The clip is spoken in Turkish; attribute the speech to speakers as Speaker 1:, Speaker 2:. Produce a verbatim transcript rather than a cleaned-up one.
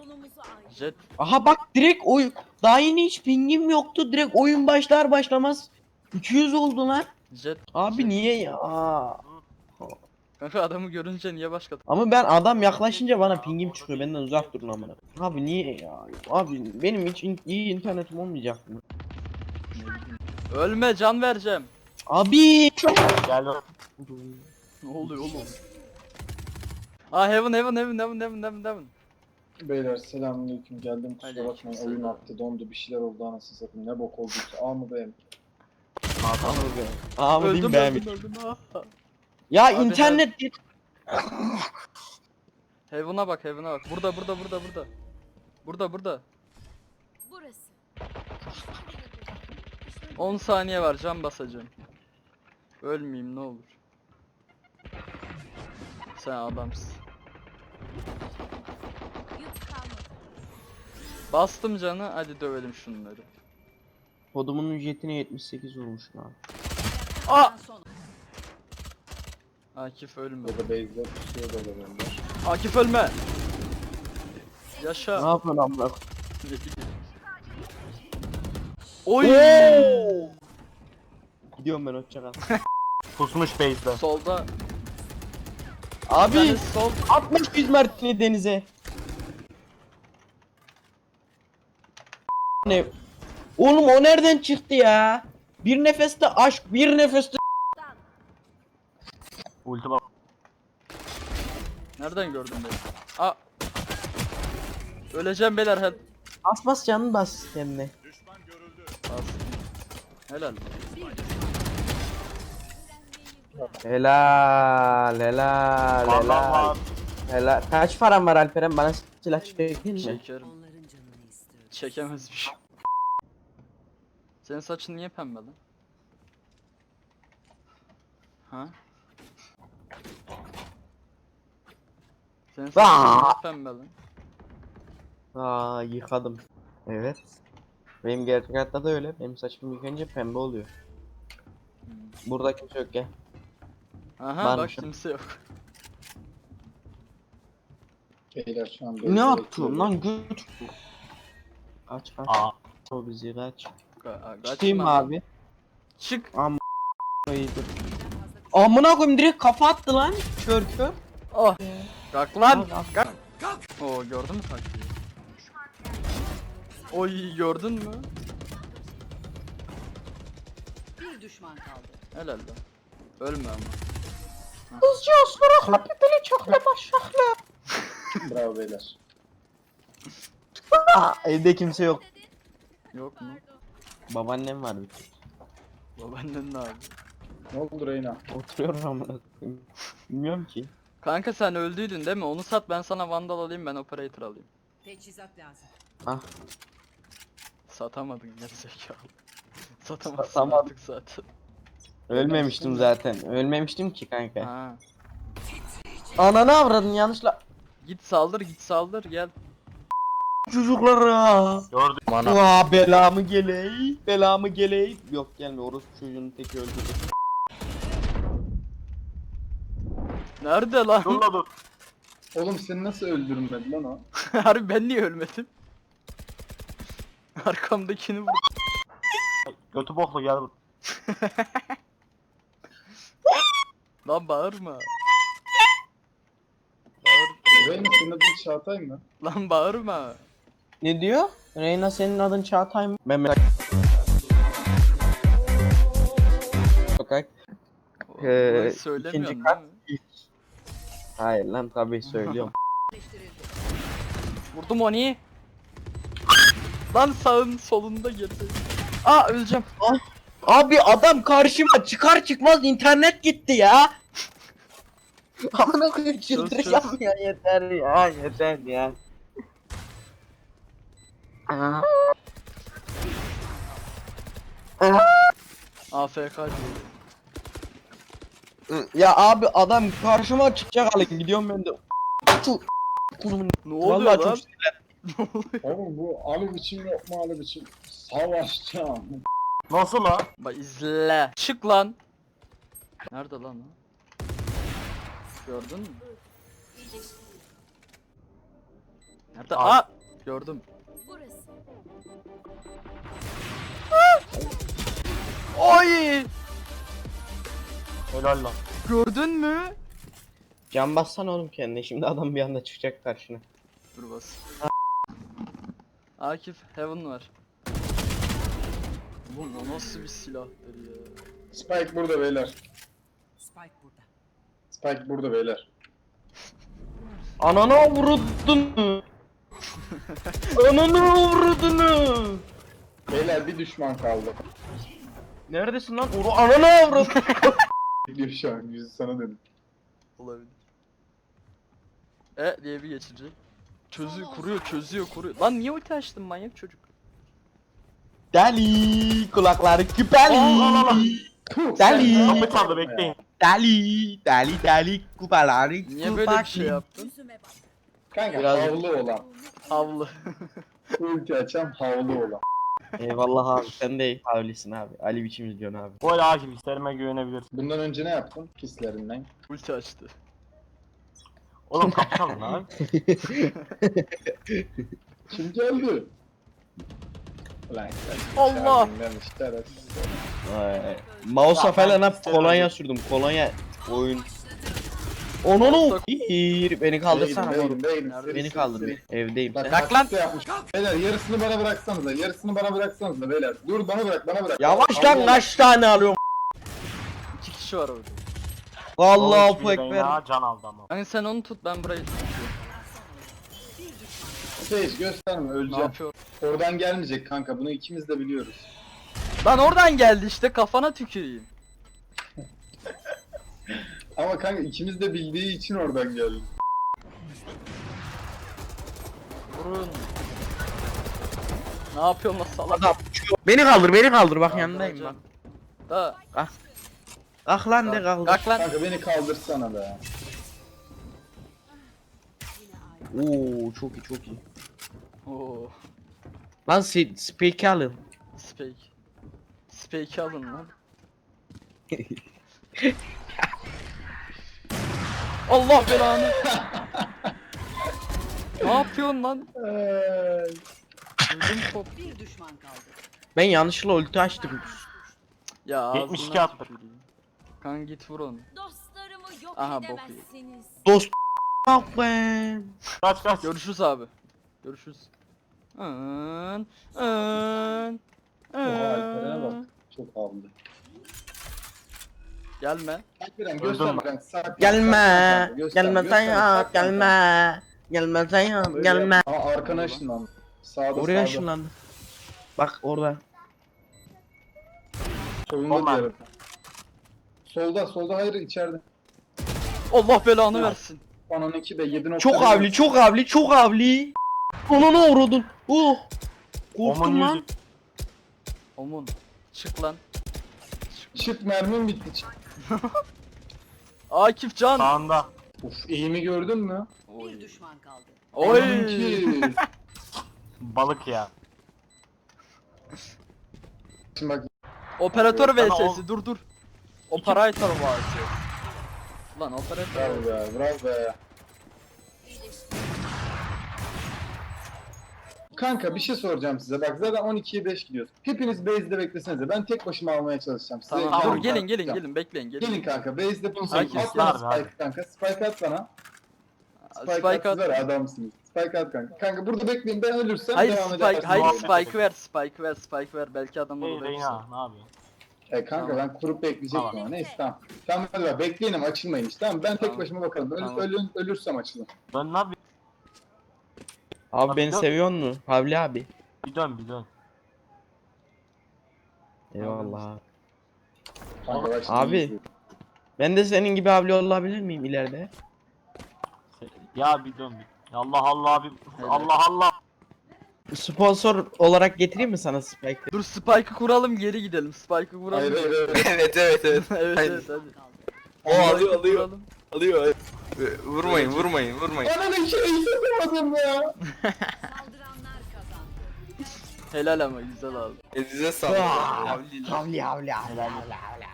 Speaker 1: Yolumuzu ayrı.
Speaker 2: Jet.
Speaker 3: Aha bak direkt oyun. Daha yeni hiç pingim yoktu. Direkt oyun başlar başlamaz. iki yüz oldu lan.
Speaker 2: Jet.
Speaker 3: Abi
Speaker 2: Jet.
Speaker 3: niye ya?
Speaker 2: Kanka adamı görünce niye başka?
Speaker 3: Ama ben adam yaklaşınca bana pingim çıkıyor. Benden uzak durun amına. Abi niye ya? Abi benim hiç in- iyi internetim olmayacak mı?
Speaker 2: Ölme, can vereceğim.
Speaker 3: Abi çok
Speaker 4: Gel.
Speaker 2: Ne oluyor oğlum? Aa heaven heaven heaven heaven heaven heaven heaven.
Speaker 5: Beyler selamünaleyküm, geldim kusura bakmayın,
Speaker 2: Aleykümselam.
Speaker 5: oyun attı, dondu, bir şeyler oldu, anasını satayım, ne bok olduysa. A mı B mi?
Speaker 3: Aa mı diyeyim
Speaker 2: Öldüm
Speaker 3: ben mi?
Speaker 2: öldüm öldüm. Ah.
Speaker 3: Ya
Speaker 2: Abi
Speaker 3: internet
Speaker 2: Heaven'a bak heaven'a bak. Burada burada burada burada. Burada burada.
Speaker 1: Burası.
Speaker 2: on saniye var, can basacağım. Ölmeyeyim ne olur. Sen adamsın.
Speaker 1: Yük kalmadı.
Speaker 2: Bastım canı, hadi dövelim şunları.
Speaker 3: kodumun ücretine yetmiş sekiz olmuş lan.
Speaker 2: Aa! Akif ölme.
Speaker 5: Ya da base'de pusuya da olabilirler.
Speaker 2: Akif ölme.
Speaker 3: Ne
Speaker 2: Yaşa.
Speaker 3: yapıyorsun amına?
Speaker 2: Oy!
Speaker 3: Gidiyorum ben hoşça kal.
Speaker 4: Pusmuş base'de.
Speaker 2: Solda.
Speaker 3: Abi
Speaker 2: Yani sol.
Speaker 3: atmış yüz mertini denize. Ne? Oğlum o nereden çıktı ya? Bir nefeste aşk, bir nefeste
Speaker 4: Ulti bak.
Speaker 2: Nereden gördün beni? Aa. Öleceğim beyler hel.
Speaker 3: bas bas canını bas kendine.
Speaker 2: Bas. Helal.
Speaker 3: Helal, helal,
Speaker 4: Adam
Speaker 3: helal.
Speaker 4: var.
Speaker 3: Helal. Kaç param var Alperen? Bana silah çekin mi?
Speaker 2: Çekerim. Çekemezmiş. Senin saçın niye pembe lan? Ha? Senin saçın
Speaker 3: Aa!
Speaker 2: niye pembe lan?
Speaker 3: Aa yıkadım. Evet. Benim gerçek hayatta da öyle. Benim saçım yıkayınca pembe oluyor. Burada kimse yok ya.
Speaker 2: Aha
Speaker 3: Varmış.
Speaker 2: bak kimse yok.
Speaker 5: Beyler şu an
Speaker 3: Ne
Speaker 5: base'de
Speaker 3: yaptın
Speaker 5: bekliyorum.
Speaker 3: lan göt? Kaç kaç.
Speaker 4: Aa.
Speaker 3: O bizi kaç.
Speaker 2: Ka-
Speaker 3: Çıkayım mı
Speaker 2: kaçma.
Speaker 3: abi?
Speaker 2: Çık.
Speaker 3: İyidir. Amına koyayım direkt kafa attı lan. Kör kör.
Speaker 2: Oh. Kalk lan.
Speaker 3: Kalk,
Speaker 2: Kalk. Oo gördün mü taktiği? Oy gördün mü?
Speaker 1: Bir düşman kaldı.
Speaker 2: Helal lan. Ölme ama.
Speaker 3: Kızcı ısparakla pipili çokla başaklı.
Speaker 5: Bravo beyler.
Speaker 3: Aa evde kimse yok.
Speaker 2: Yok mu?
Speaker 3: Babaannem var bir tek.
Speaker 2: Babaannen ne abi?
Speaker 5: Ne oldu Reyna?
Speaker 3: Oturuyorum amına koyayım. Bilmiyorum ki.
Speaker 2: Kanka sen öldüydün değil mi? Onu sat, ben sana vandal alayım, ben operator alayım.
Speaker 1: Teçhizat lazım.
Speaker 3: Ah
Speaker 2: Satamadın gerizekalı. Satamazsın
Speaker 3: Satamadım.
Speaker 2: artık zaten.
Speaker 3: ölmemiştim zaten. Ölmemiştim ki kanka.
Speaker 2: Ha.
Speaker 3: Ananı avradın yanlışla.
Speaker 2: Git saldır, git saldır, gel.
Speaker 3: Çocuklara.
Speaker 4: Gördüm.
Speaker 3: Aa belamı geley. Belamı geley. Yok gelme orospu çocuğunun teki öldürdü.
Speaker 2: Nerede lan?
Speaker 4: Dur la dur.
Speaker 5: Oğlum seni nasıl öldürmedi lan o?
Speaker 2: Harbi ben niye ölmedim? Arkamdakini vur.
Speaker 4: Götü boklu gel bur.
Speaker 2: Lan bağırma. Bağır.
Speaker 5: Reyna senin adın Çağatay mı?
Speaker 2: Lan bağırma.
Speaker 3: Ne diyor? Reyna senin adın Çağatay mı? Ben merak. Sokak. Ee,
Speaker 2: Ee,
Speaker 3: ikinci
Speaker 2: söylemiyorsun
Speaker 3: kat.
Speaker 2: değil mi?
Speaker 3: İlk. Hayır lan tabii söylüyorum.
Speaker 2: Vurdum onu. Lan sağın solunda girdi. Aa öleceğim.
Speaker 3: Abi adam karşıma çıkar çıkmaz internet gitti ya. Amına koyayım çıldıracağım ya yeter ya yeter ya. Aa. Aa.
Speaker 2: A F K diyor.
Speaker 3: Ya abi adam karşıma çıkacak hale gidiyorum ben de. Şu kuzumun
Speaker 2: Ne oluyor
Speaker 3: vallahi
Speaker 2: lan?
Speaker 3: çok sinirlendim.
Speaker 2: Ne oluyor?
Speaker 5: Oğlum bu Ali biçim yok mu Ali biçim? Savaşacağım.
Speaker 4: Nasıl la?
Speaker 2: Bak izle. Çık lan. Nerede lan o? Gördün mü? Nerede?
Speaker 4: Abi.
Speaker 2: Aa! Gördüm.
Speaker 1: Burası.
Speaker 2: Oy!
Speaker 4: Helal lan.
Speaker 2: Gördün mü?
Speaker 3: Can bassana oğlum kendine. Şimdi adam bir anda çıkacak karşına.
Speaker 2: Dur bas. Akif Heaven var. Oğlum o nasıl bir silahtır ya?
Speaker 5: Spike burada beyler.
Speaker 1: Spike burada.
Speaker 5: Spike burada beyler.
Speaker 3: Ananı vurdun. Ananı vurdun.
Speaker 5: Beyler bir düşman kaldı.
Speaker 3: Neredesin lan? Oru ananı vurdun.
Speaker 5: Bekliyor şu an yüzü sana dedim.
Speaker 2: Olabilir. E diye bir geçici. Çözüyor, kuruyor, çözüyor, kuruyor. Lan niye ulti açtın manyak çocuk?
Speaker 3: Deli kulakları küpeli.
Speaker 5: Puh,
Speaker 3: Deli.
Speaker 5: sen-
Speaker 4: Kapı çaldı bekleyin.
Speaker 3: Deli deli deli kupaları
Speaker 2: Niye böyle bir şey yaptın?
Speaker 1: Yüzüme bak.
Speaker 5: Kanka
Speaker 3: Biraz-
Speaker 5: havlu olan.
Speaker 2: Havlı.
Speaker 5: Ulti açan havlu olan.
Speaker 3: Eyvallah abi sen de havlisin abi. Ali biçim izliyorsun abi.
Speaker 4: Bu el Akif isterime güvenebilirsin.
Speaker 5: Bundan önce ne yaptın? Hislerinden.
Speaker 2: Ulti açtı.
Speaker 4: Oğlum kapışalım lan.
Speaker 5: Kim geldi? Ulan
Speaker 2: Allah!
Speaker 5: şerefsiz.
Speaker 3: Vay. Mouse'a
Speaker 4: Ya
Speaker 3: falan
Speaker 4: ben
Speaker 3: hep kolonya sürdüm. Kolonya oyun. Onu bir beni kaldırsana
Speaker 5: Değilim,
Speaker 3: oğlum.
Speaker 5: değilim,
Speaker 2: Nerede?
Speaker 5: değilim.
Speaker 3: Beni kaldır bir. Evdeyim.
Speaker 5: Bak,
Speaker 2: Bırak lan!
Speaker 5: taktik de yapmış. Beyler yarısını bana bıraksanıza, yarısını bana bıraksanıza beyler. Dur bana bırak, bana bırak.
Speaker 3: Yavaş lan kaç tane alıyorum?
Speaker 2: İki kişi var orada.
Speaker 3: Allahu
Speaker 4: Hiçbiri
Speaker 3: ekber.
Speaker 4: ya, can aldı ama.
Speaker 2: Hani sen onu tut ben burayı tutuyorum.
Speaker 5: Sage gösterme,
Speaker 2: Ne
Speaker 5: öleceğim.
Speaker 2: yapıyor?
Speaker 5: Oradan gelmeyecek kanka, bunu ikimiz de biliyoruz.
Speaker 2: Lan oradan geldi işte kafana tüküreyim.
Speaker 5: Ama kanka ikimiz de bildiği için oradan geldi.
Speaker 2: Vurun. Ne yapıyorsun lan salak?
Speaker 3: Adam beni kaldır beni kaldır bak yanındayım bak.
Speaker 2: Da.
Speaker 3: Kalk lan de kaldır.
Speaker 2: Kalk lan.
Speaker 5: Kanka beni kaldırsana be.
Speaker 3: Oo çok iyi çok iyi.
Speaker 2: Oo.
Speaker 3: Lan si speak alın.
Speaker 2: Spake. Spake'i alın lan. Allah belanı. Ne yapıyorsun lan?
Speaker 5: Eee,
Speaker 2: Öldüm top.
Speaker 1: Bir düşman kaldı.
Speaker 3: Ben yanlışlıkla ulti açtım.
Speaker 2: Ya ağzına
Speaker 4: yetmiş iki attık.
Speaker 2: tüküreyim. Kanka git vur onu.
Speaker 1: Dostlarımı yok
Speaker 2: Aha, bok
Speaker 1: edemezsiniz.
Speaker 3: Dost bak be.
Speaker 4: Kaç kaç.
Speaker 2: Görüşürüz abi. Görüşürüz. Ön, ön,
Speaker 5: Oha Alperen'e bak.
Speaker 2: ön.
Speaker 5: Çok havlu.
Speaker 2: Gelme.
Speaker 5: Alperen
Speaker 4: Öldüm
Speaker 5: gösterme
Speaker 4: ben.
Speaker 5: kanka. sakin,
Speaker 3: Gelme.
Speaker 5: sakin kanka, gösterme,
Speaker 3: Gelme
Speaker 5: gösterme,
Speaker 3: sayın
Speaker 5: sakin kanka.
Speaker 3: gelme. Gelme sayın
Speaker 5: Öyle
Speaker 3: gelme.
Speaker 5: yap. Aa arkana ışınlandı. Sağda
Speaker 3: Oraya
Speaker 5: sağda.
Speaker 3: ışınlandı. Bak orada.
Speaker 5: Solunda
Speaker 4: Olma.
Speaker 5: diğer. Solda solda hayır içeride.
Speaker 2: Allah belanı versin.
Speaker 5: Onun iki de yedi nokta.
Speaker 3: Çok avli çok avli çok avli. Onu ne uğradın? Oh. Korktum
Speaker 4: Omun
Speaker 3: lan.
Speaker 4: yüzü.
Speaker 2: Omun. Çık lan.
Speaker 5: Çık mermim bitti. Çık.
Speaker 2: Akif Can.
Speaker 4: Sağında.
Speaker 5: Uf eğimi gördün mü?
Speaker 1: Bir düşman kaldı.
Speaker 2: Oy.
Speaker 5: Onunki.
Speaker 4: Balık ya.
Speaker 5: Şimdi bak
Speaker 2: Operatör
Speaker 4: Sana
Speaker 2: vs'si dur dur. Operatör vs. Lan operatör.
Speaker 5: bravo be bravo be. Kanka bir şey soracağım size. Bak zaten on ikiye beş gidiyoruz. Hepiniz base'de beklesenize. Ben tek başıma almaya çalışacağım. Size
Speaker 2: Tamam
Speaker 4: Tamam,
Speaker 2: dur gelin gelin
Speaker 5: atacağım.
Speaker 2: gelin bekleyin gelin.
Speaker 5: Gelin kanka base'de bulsun.
Speaker 2: Herkes
Speaker 5: At bana
Speaker 4: var,
Speaker 5: spike kanka. Spike at bana. Spike,
Speaker 2: Spike
Speaker 5: at.
Speaker 2: at.
Speaker 5: Ver adamsınız. Spike at kanka. Kanka burada bekleyin ben ölürsem
Speaker 2: Hayır
Speaker 5: devam
Speaker 2: spike
Speaker 5: edersiniz.
Speaker 2: hayır
Speaker 4: Oyna.
Speaker 2: spike ver spike ver spike ver belki adamlar
Speaker 4: Hey
Speaker 2: orada
Speaker 4: Reyna ne yapıyorsun?
Speaker 5: E kanka
Speaker 2: Tamam.
Speaker 5: ben kurup bekleyecektim
Speaker 4: Tamam.
Speaker 5: ama neyse tamam. Tamam hadi bak bekleyin ama açılmayın işte tamam. Ben tek
Speaker 2: Tamam.
Speaker 5: başıma bakalım. Öl,
Speaker 2: Tamam.
Speaker 5: ölün, ölürsem açılın.
Speaker 4: Dön lan bir,
Speaker 3: Abi beni
Speaker 4: Yok.
Speaker 3: seviyor mu? Havli abi.
Speaker 4: bir dön bir dön.
Speaker 3: Eyvallah abi.
Speaker 5: Kanka bak şimdi
Speaker 3: Abi.
Speaker 5: izleyin.
Speaker 3: Ben de senin gibi havli olabilir miyim ileride?
Speaker 4: Ya bir dön bir. Allah Allah abi.
Speaker 2: Evet.
Speaker 4: Allah Allah.
Speaker 3: Sponsor olarak getireyim mi sana Spike?
Speaker 2: Dur spike'ı kuralım geri gidelim spike'ı kuralım.
Speaker 5: Hayır hayır hayır.
Speaker 6: Evet evet evet.
Speaker 2: evet
Speaker 6: Hayır.
Speaker 2: evet hadi.
Speaker 1: Kaldı.
Speaker 6: O alıyor
Speaker 2: Spike'ı
Speaker 6: alıyor.
Speaker 2: kuralım.
Speaker 6: Alıyor. Vurmayın vurmayın vurmayın.
Speaker 5: Ananı iki hissedemedim ya.
Speaker 1: Saldıranlar kazandı.
Speaker 2: Helal ama güzel abi.
Speaker 6: Elinize sağlık.
Speaker 3: Havli havli havli havli havli.